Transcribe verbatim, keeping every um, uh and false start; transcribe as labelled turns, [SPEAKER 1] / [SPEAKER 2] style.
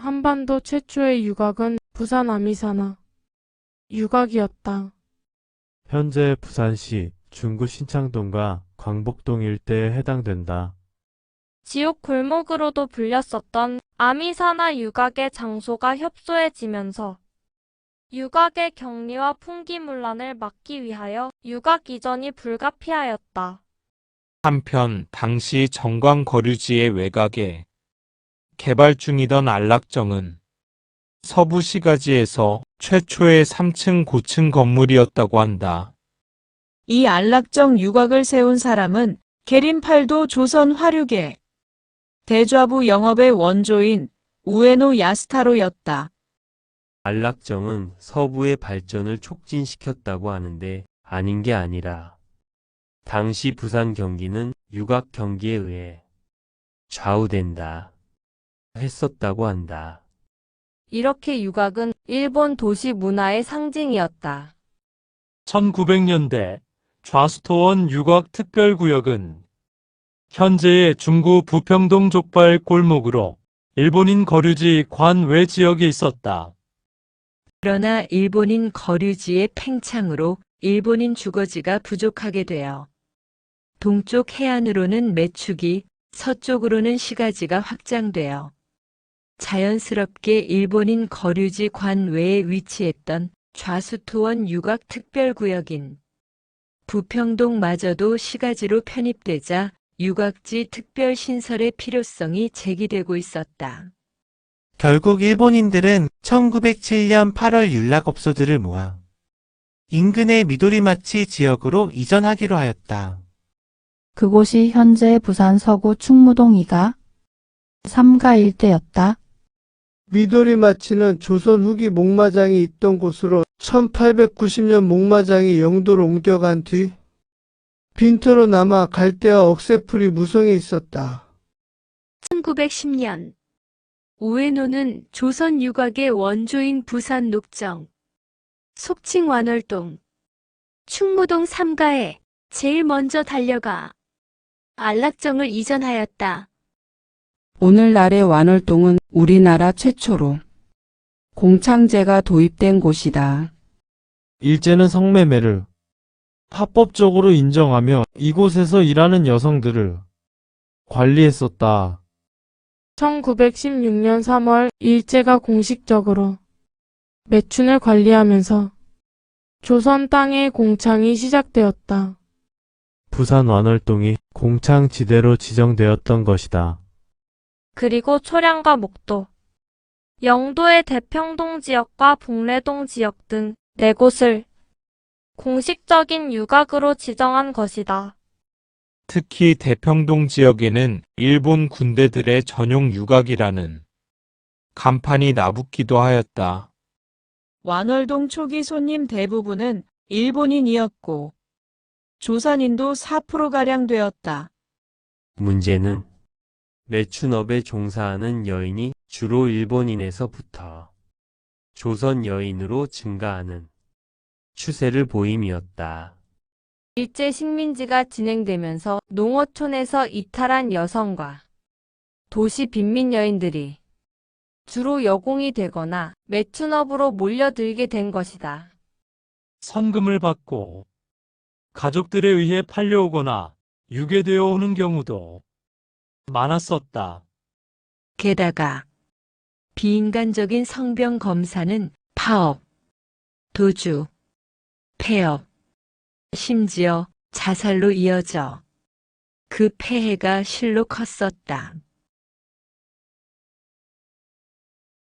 [SPEAKER 1] 한반도 최초의 유곽은 부산 아미사나 유곽이었다.
[SPEAKER 2] 현재 부산시 중구 신창동과 광복동 일대에 해당된다.
[SPEAKER 3] 지옥 골목으로도 불렸었던 아미사나 유곽의 장소가 협소해지면서 유곽의 격리와 풍기문란을 막기 위하여 유곽 이전이 불가피하였다.
[SPEAKER 4] 한편 당시 정광 거류지의 외곽에 개발 중이던 안락정은 서부 시가지에서 최초의 삼 층 고층 건물이었다고 한다.
[SPEAKER 5] 이 안락정 유곽을 세운 사람은 계림팔도 조선 화류계 대좌부 영업의 원조인 우에노 야스타로였다.
[SPEAKER 6] 안락정은 서부의 발전을 촉진시켰다고 하는데 아닌 게 아니라 당시 부산 경기는 유곽 경기에 의해 좌우된다 했었다고 한다.
[SPEAKER 3] 이렇게 유곽은 일본 도시 문화의 상징이었다.
[SPEAKER 7] 천구백 년대 좌수토원 유곽특별구역은 현재의 중구 부평동 족발 골목으로 일본인 거류지 관외 지역에 있었다.
[SPEAKER 5] 그러나 일본인 거류지의 팽창으로 일본인 주거지가 부족하게 되어 동쪽 해안으로는 매축이, 서쪽으로는 시가지가 확장되어 자연스럽게 일본인 거류지 관외에 위치했던 좌수토원 유곽특별구역인 부평동마저도 시가지로 편입되자 유곽지 특별신설의 필요성이 제기되고 있었다.
[SPEAKER 8] 결국 일본인들은 천구백칠 년 팔월 윤락업소들을 모아 인근의 미도리마치 지역으로 이전하기로 하였다.
[SPEAKER 9] 그곳이 현재 부산 서구 충무동 이가, 삼가 일대였다.
[SPEAKER 10] 미도리마치는 조선 후기 목마장이 있던 곳으로 천팔백구십 년 목마장이 영도로 옮겨간 뒤 빈터로 남아 갈대와 억새풀이 무성해 있었다.
[SPEAKER 3] 천구백십 년 우에노는 조선 유곽의 원조인 부산 녹정, 속칭 완월동, 충무동 삼가에 제일 먼저 달려가 안락정을 이전하였다.
[SPEAKER 11] 오늘날의 완월동은 우리나라 최초로 공창제가 도입된 곳이다.
[SPEAKER 2] 일제는 성매매를 합법적으로 인정하며 이곳에서 일하는 여성들을 관리했었다.
[SPEAKER 1] 천구백십육 년 삼월 일제가 공식적으로 매춘을 관리하면서 조선 땅의 공창이 시작되었다.
[SPEAKER 2] 부산 완월동이 공창지대로 지정되었던 것이다.
[SPEAKER 3] 그리고 초량과 목도, 영도의 대평동 지역과 복례동 지역 등 네 곳을 공식적인 유곽으로 지정한 것이다.
[SPEAKER 4] 특히 대평동 지역에는 일본 군대들의 전용 유곽이라는 간판이 나붙기도 하였다.
[SPEAKER 5] 완월동 초기 손님 대부분은 일본인이었고 조선인도 사 퍼센트가량 되었다.
[SPEAKER 6] 문제는 매춘업에 종사하는 여인이 주로 일본인에서부터 조선 여인으로 증가하는 추세를 보임이었다.
[SPEAKER 3] 일제 식민지가 진행되면서 농어촌에서 이탈한 여성과 도시 빈민 여인들이 주로 여공이 되거나 매춘업으로 몰려들게 된 것이다.
[SPEAKER 7] 선금을 받고 가족들에 의해 팔려오거나 유괴되어 오는 경우도 많았었다.
[SPEAKER 5] 게다가 비인간적인 성병 검사는 파업, 도주, 폐업, 심지어 자살로 이어져 그 폐해가 실로 컸었다.